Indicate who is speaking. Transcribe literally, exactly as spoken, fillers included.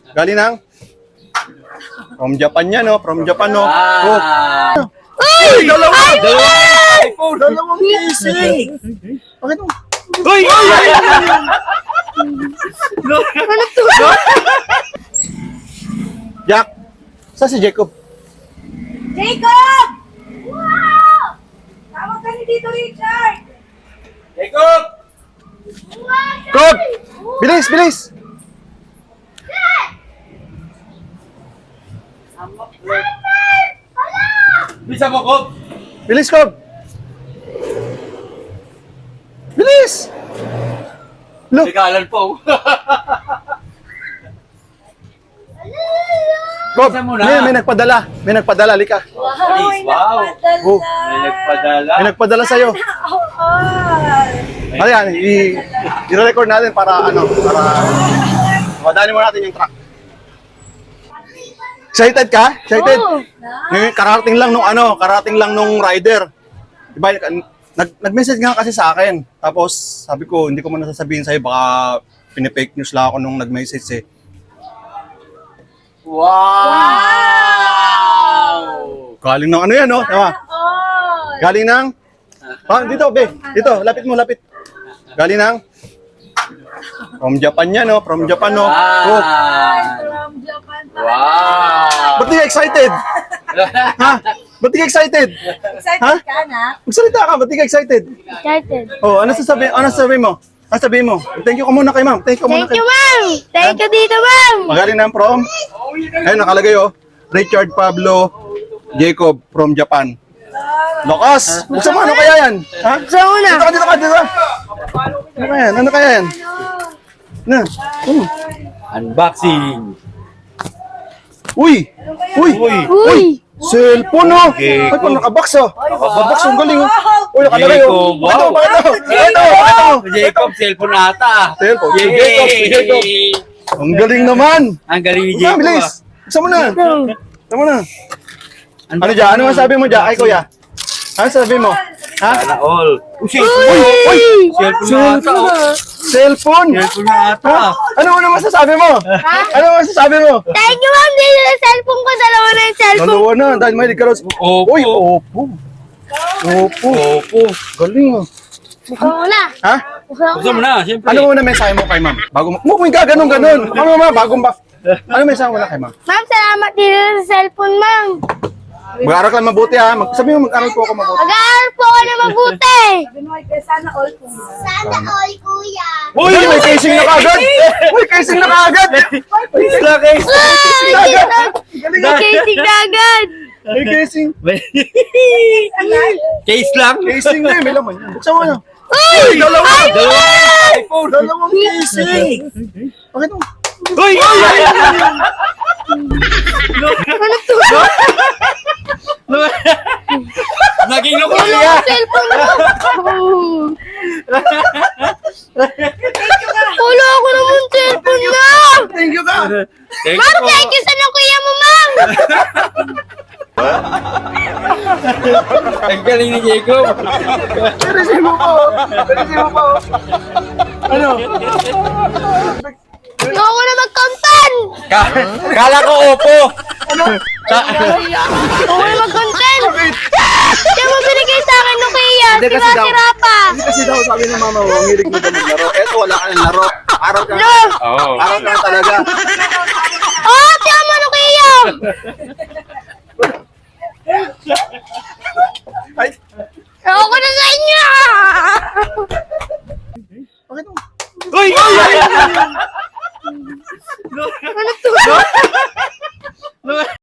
Speaker 1: Galing ng? From Japan yan, no? From Japan, no? Oh.
Speaker 2: Ay!
Speaker 1: Dalawa!
Speaker 2: Dalawa! iPhone!
Speaker 1: Dalawang casing! Bakit mo?
Speaker 2: Uy!
Speaker 3: Ano to?
Speaker 1: Jack! Saan si Jacob?
Speaker 3: Jacob! Wow! Tawag ka ni Tito Richard!
Speaker 2: Jacob!
Speaker 1: Cob! Bilis, bilis!
Speaker 2: Bisa mo, Cob!
Speaker 1: Bilis, Cob! Bilis! Look!
Speaker 2: Regalan po.
Speaker 1: Cob!
Speaker 2: Isa mo na.
Speaker 1: May, may nagpadala. May nagpadala, lika.
Speaker 3: Wow!
Speaker 2: Please, wow.
Speaker 1: Oh.
Speaker 2: May nagpadala.
Speaker 1: May nagpadala sa'yo.
Speaker 3: Oo!
Speaker 1: Ayan, i- i-record natin para ano, para madali mo natin yung truck. Excited ka? Excited?
Speaker 3: Oo.
Speaker 1: Ngayon, karating lang nung ano, karating lang nung rider. Diba, nag, nag-message nga kasi sa akin. Tapos, sabi ko, hindi ko muna sasabihin sa'yo, baka pinipake news lang ako nung nag-message eh.
Speaker 2: Wow!
Speaker 1: Galing ng ano yan, no? Diba?
Speaker 3: Oo!
Speaker 1: Galing ng... Ah, dito, be. Dito, lapit mo, lapit. Galing ng... From Japan yan, no? From Japan, no? Oh.
Speaker 2: Ah!
Speaker 3: From Japan pa.
Speaker 2: Wow!
Speaker 1: Ba't di ka excited? Ha? Ba't di ka excited?
Speaker 3: Excited
Speaker 1: Ha?
Speaker 3: ka, anak?
Speaker 1: Magsalita ka, ba't di ka excited?
Speaker 3: Excited.
Speaker 1: Oh, ano sasabihin? Ano sasabihin mo? Ano sasabihin mo? Thank you ka muna kay ma'am. Thank you ka muna
Speaker 3: Thank
Speaker 1: kay...
Speaker 3: you, ma'am! Thank you dito, ma'am!
Speaker 1: Magaling na from? Ayun, nakalagay oh. Richard Pablo Jacob from Japan. Lokas! Buksan mo, ano kaya yan? Ha?
Speaker 3: Sa una!
Speaker 1: Dito ka, dito ka, dito ka. Ano kaya yan? Ano kaya yan? Na? Hmm.
Speaker 2: Unboxing!
Speaker 1: Uy! Uy!
Speaker 2: Uy!
Speaker 3: Uy!
Speaker 1: Cellphone oh! Ay,
Speaker 2: Jacob.
Speaker 1: kung nakabox oh! Nakabox, ang galing oh! Uy, nakalagay oh!
Speaker 2: Jacob, wow.
Speaker 1: Bakit oh? Bakit oh? Bakit oh?
Speaker 2: Jacob, cellphone ata.
Speaker 1: Cellphone. Si
Speaker 2: Yay!
Speaker 1: Jacob, si Jacob. Ang galing naman!
Speaker 2: Ang galing ni
Speaker 1: Buksan,
Speaker 2: Jacob.
Speaker 1: bilis! Buksan mo na! Buksan mo na!
Speaker 2: ah.
Speaker 1: Ano dyan? Ano masabi mo dyan? Ay, kuya. Ano sabi mo? Ha?
Speaker 2: Sana all. Uy,
Speaker 1: Uy!
Speaker 2: cellphone!
Speaker 1: Uy!
Speaker 2: Cellphone na ata. oh.
Speaker 1: Cellphone!
Speaker 2: Cellphone na ata.
Speaker 1: Ha? Ano mo na masasabi mo? Ano mo masasabi mo?
Speaker 3: Thank you, ma'am! Dito sa cellphone ko, dalawa na yung cellphone.
Speaker 1: Dalawa na, dahil may ka raw.
Speaker 2: Opo.
Speaker 1: Uy, opo. Opo.
Speaker 2: Opo.
Speaker 1: Galing oh.
Speaker 3: Buksan mo na!
Speaker 1: Ha?
Speaker 3: Buksan mo
Speaker 2: Gusto mo
Speaker 3: na!
Speaker 2: na, siyempre.
Speaker 1: Ano muna mensahe mo kay ma'am? Bago mo. Mo kung ganon ganon. Ano ma, bagong ba? Ano mensahe mo na kay ma'am?
Speaker 3: Ma'am, salamat dito sa cellphone, ma'am!
Speaker 1: Mag-aaral ka lang mabuti ha. Mag sabi mo mag-aral po ako mabuti.
Speaker 3: Mag-aaral po ako na mabuti!
Speaker 4: Sana all, kuya.
Speaker 1: Uy, may casing na kagad. Uy, casing na kagad.
Speaker 2: Please lang, guys.
Speaker 3: Ay,
Speaker 1: Galing
Speaker 3: may
Speaker 1: ah.
Speaker 3: casing na agad!
Speaker 1: May casing.
Speaker 2: Case lang.
Speaker 1: Casing na eh, may laman yan. Buksan mo na.
Speaker 3: Uy!
Speaker 1: Dalawa!
Speaker 2: Dalawa iPhone.
Speaker 1: Dalawang casing. Bakit mo?
Speaker 2: Uy!
Speaker 3: Ano to?
Speaker 2: Naging loko
Speaker 3: Wala
Speaker 2: niya.
Speaker 3: ang cellphone mo! Wala ako naman cellphone na!
Speaker 1: Thank you ka.
Speaker 2: Thank
Speaker 3: Ma'am,
Speaker 2: you po.
Speaker 3: thank you sa nakuya mo, ma'am!
Speaker 2: Ang galing ni Jacob.
Speaker 1: Receive mo po. Receive mo po. Ano?
Speaker 3: Ayoko na mag-content!
Speaker 2: Ka- Kala ko opo.
Speaker 3: Ayoko na mag-content! Kaya mo binigay sa akin, Nokia!
Speaker 1: Hindi kasi daw-
Speaker 3: Sira-sira pa!
Speaker 1: Hindi kasi daw sabi ng mama mo, ang hilig mo daw maglaro. Eto, wala ka ng laro. Araw ka.
Speaker 3: No!
Speaker 2: Oo.
Speaker 1: Araw ka na talaga.
Speaker 3: Oh, tiyan mo, Nokia!
Speaker 1: Ay,
Speaker 3: Ayoko na sa inyo!
Speaker 1: bakit mo?
Speaker 2: Uy!
Speaker 3: Ano to?